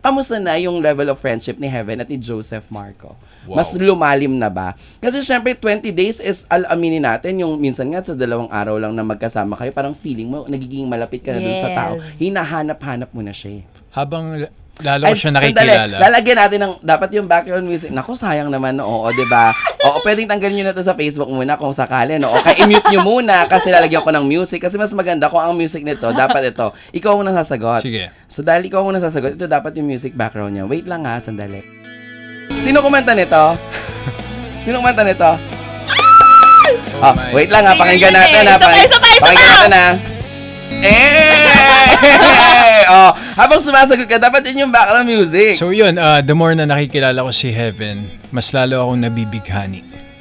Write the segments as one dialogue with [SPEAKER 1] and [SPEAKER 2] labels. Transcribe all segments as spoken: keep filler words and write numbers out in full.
[SPEAKER 1] kamusta na yung level of friendship ni Heaven at ni Joseph Marco?
[SPEAKER 2] Wow.
[SPEAKER 1] Mas lumalim na ba? Kasi syempre, twenty days is, al aminin natin, yung minsan nga sa dalawang araw lang na magkasama kayo, parang feeling mo, nagiging malapit ka na dun sa tao.
[SPEAKER 3] Yes.
[SPEAKER 1] Hinahanap-hanap mo na siya. eh.
[SPEAKER 2] Habang lalo ko
[SPEAKER 1] Ay,
[SPEAKER 2] siya
[SPEAKER 1] sandali,
[SPEAKER 2] nakikilala.
[SPEAKER 1] lalagyan natin ng, dapat yung background music. Naku, sayang naman, oo, di ba? Oo, pwedeng tanggalin nyo na to sa Facebook muna kung sakali, no? O kaya i-mute nyo muna kasi lalagyan ko ng music. Kasi mas maganda kung ang music nito, dapat ito. Ikaw ang nasasagot.
[SPEAKER 2] Sige.
[SPEAKER 1] So dahil ikaw ang nasasagot, ito dapat yung music background niya. Wait lang ha, sandali. Sino kumanta nito? Sino kumanta nito? Oh,
[SPEAKER 2] my
[SPEAKER 1] wait lang ha,
[SPEAKER 3] God.
[SPEAKER 1] pakinggan natin ha.
[SPEAKER 3] Isa pa, isa pa, isa
[SPEAKER 1] Pakinggan
[SPEAKER 3] pa.
[SPEAKER 1] natin ha. Eh! Oh, habang sumasagot ka, dapat yun yung background music.
[SPEAKER 2] So yun, uh, the more na nakikilala ko si Heaven, mas lalo akong nabibighani.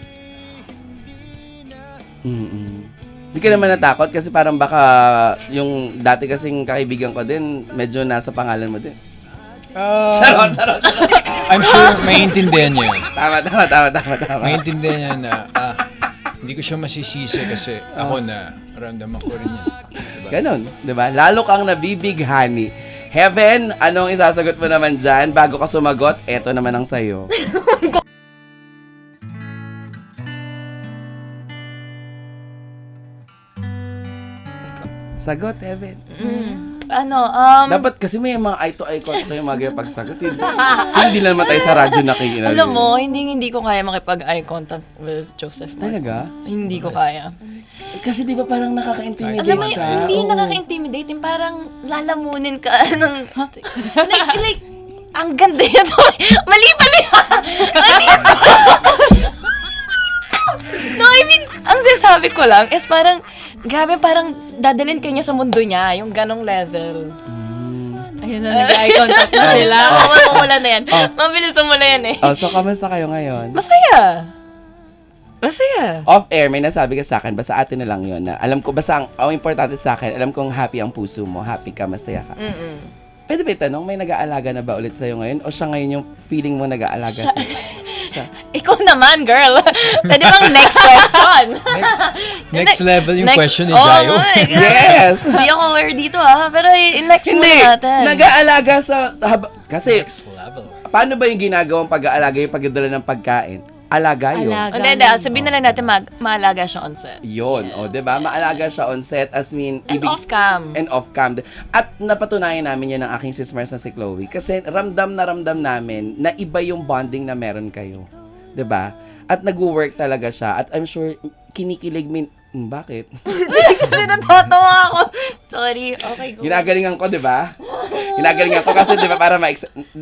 [SPEAKER 1] Mm-mm. Hindi ka naman natakot kasi parang baka yung dati kasing kaibigan ko din, medyo nasa pangalan mo din.
[SPEAKER 2] Uh,
[SPEAKER 1] Charot, charot, charot.
[SPEAKER 2] I'm sure maintindihan niya yun.
[SPEAKER 1] Tama, tama, tama, tama, tama.
[SPEAKER 2] Maintindihan niya na ah, hindi ko siya masisisi kasi ako na ramdaman ko rin yan. Diba?
[SPEAKER 1] Ganon, di ba? Lalo kang nabibighani. Heaven, anong isasagot mo naman dyan? Bago ka sumagot, eto naman ang sayo. Sagot, Heaven.
[SPEAKER 3] Ano, um,
[SPEAKER 1] Dapat kasi may mga eye-to-eye contact yung mga ganyan pagsagot. Hindi, kasi hindi lang naman tayo sa radyo nakikinig.
[SPEAKER 3] alam mo, hindi hindi ko kaya makipag-eye contact with Joseph.
[SPEAKER 1] Talaga?
[SPEAKER 3] Hindi ko kaya.
[SPEAKER 1] Kasi di ba parang nakaka-intimidate
[SPEAKER 3] Alam mo,
[SPEAKER 1] siya?
[SPEAKER 3] hindi
[SPEAKER 1] Oo.
[SPEAKER 3] nakaka-intimidate. Yung parang lalamunin ka ng... like, like, ang ganda yan. Mali pala yan. Mali No, I mean, ang sasabi ko lang is parang, grabe, parang dadalhin ka niya sa mundo niya, yung ganong level. Ayun na, nag-eye contact na sila.
[SPEAKER 1] Oh.
[SPEAKER 3] Mamamula na yan. Mabilis mo na yan eh.
[SPEAKER 1] Oh, so, kamusta kayo ngayon?
[SPEAKER 3] Masaya. Masaya.
[SPEAKER 1] Off-air, may nasabi ka sa akin, basta atin na lang yun. Na alam ko, basta ang, ang importante sa akin, alam kong happy ang puso mo, happy ka, masaya ka.
[SPEAKER 3] Mm-mm.
[SPEAKER 1] Pwede ba itanong, may nag-aalaga na ba ulit sa'yo ngayon? O siya ngayon yung feeling mo nag-aalaga sa'yo? Siya.
[SPEAKER 3] Ikaw naman, girl. Pwede bang next question?
[SPEAKER 2] Next, next level yung
[SPEAKER 3] Next-
[SPEAKER 2] question ni
[SPEAKER 3] Oo
[SPEAKER 2] Jayo.
[SPEAKER 3] nga eh.
[SPEAKER 1] Yes!
[SPEAKER 3] Hindi ako aware dito ah. Pero i- next
[SPEAKER 1] Hindi!
[SPEAKER 3] muna natin.
[SPEAKER 1] Nag-aalaga sa... Haba, kasi,
[SPEAKER 2] Next level.
[SPEAKER 1] paano ba yung ginagawang pag-aalaga yung pagdadala ng pagkain? Alaga yun.
[SPEAKER 3] O, Hindi, hindi. Sabihin na lang natin mag maalaga siya on set.
[SPEAKER 1] Yun, o, di ba? Maalaga siya on set, as mean...
[SPEAKER 3] And off-cam.
[SPEAKER 1] And off-cam. At napatunayan namin yan ng aking sis Mars na si Chloe. Kasi ramdam na ramdam namin na iba yung bonding na meron kayo. 'Di ba? At nag-work talaga siya. At I'm sure, kinikilig min... Hmm, bakit?
[SPEAKER 3] Natatawa ako. Sorry. Okay, go.
[SPEAKER 1] Ginagalingan ko, di ba? Ginagalingan ko kasi, di ba, para ma